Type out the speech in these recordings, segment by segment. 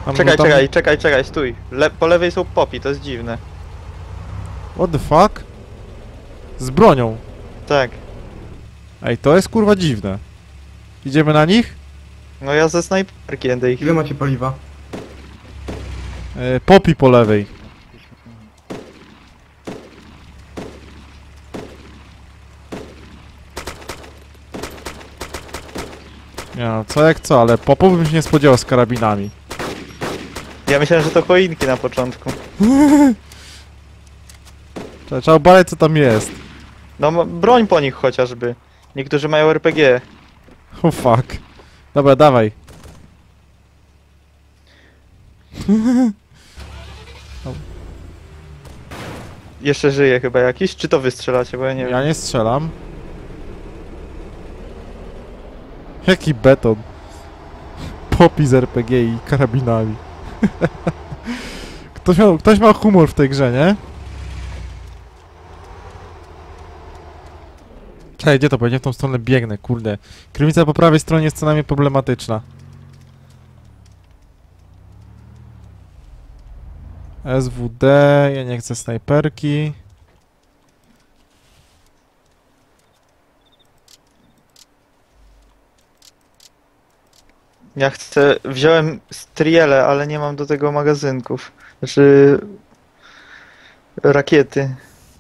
Tam, Czekaj, tam... czekaj, stój. Po lewej są popi, to jest dziwne. What the fuck? Z bronią. Tak. Ej, to jest kurwa dziwne. Idziemy na nich? No ja ze snajperki będę ich... Ile macie paliwa? Popi po lewej. Nie no, co jak co, ale popów bym się nie spodziewał z karabinami. Ja myślałem, że to choinki na początku. Trzeba obalać co tam jest. No broń po nich chociażby. Niektórzy mają RPG. Oh fuck. Dobra, dawaj. Jeszcze żyje chyba jakiś? Czy to wystrzelacie, bo ja nie wiem. Ja nie strzelam. Jaki beton. Popi z RPG i karabinami. Ktoś ma humor w tej grze, nie? Czekaj, gdzie to? Bo ja nie w tą stronę biegnę, kurde. Krymica po prawej stronie jest co najmniej problematyczna. SWD, ja nie chcę snajperki. Ja chcę... Wziąłem striele, ale nie mam do tego magazynków. Znaczy... Rakiety.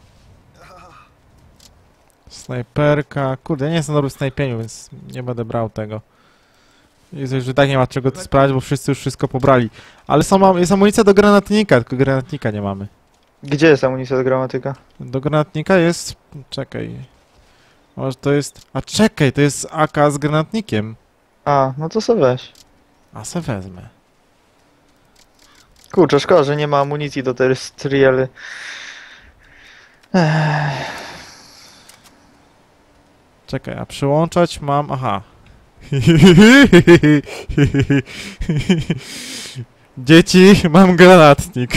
Snajperka. Kurde, ja nie jestem dobry w snajpieniu, więc nie będę brał tego. Jest, że tak nie ma czego tu sprawdzić, bo wszyscy już wszystko pobrali. Ale jest amunicja do granatnika, tylko granatnika nie mamy. Gdzie jest amunicja do gramatyka? Do granatnika jest... Czekaj. Może to jest... A czekaj, to jest AK z granatnikiem. A, no to sobie weź. A se wezmę. Kurczę, szkoda, że nie ma amunicji do tej striely. Czekaj, a przyłączać mam... Aha. Dzieci, mam granatnik.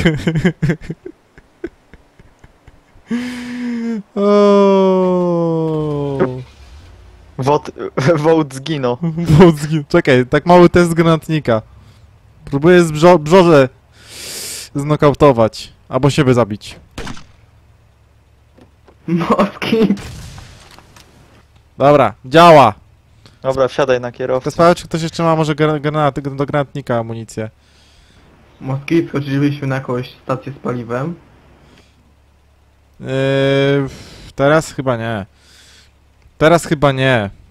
Wołd zginął. Czekaj, tak mały test granatnika. Próbuję brzoże znokautować. Albo siebie zabić. Moski! Dobra, działa. Dobra, wsiadaj na To kierowcę. sprawdzę, czy ktoś jeszcze ma może granaty do granatnika amunicję. Moski, wchodziliśmy na jakąś stację z paliwem. Teraz chyba nie. Teraz chyba nie.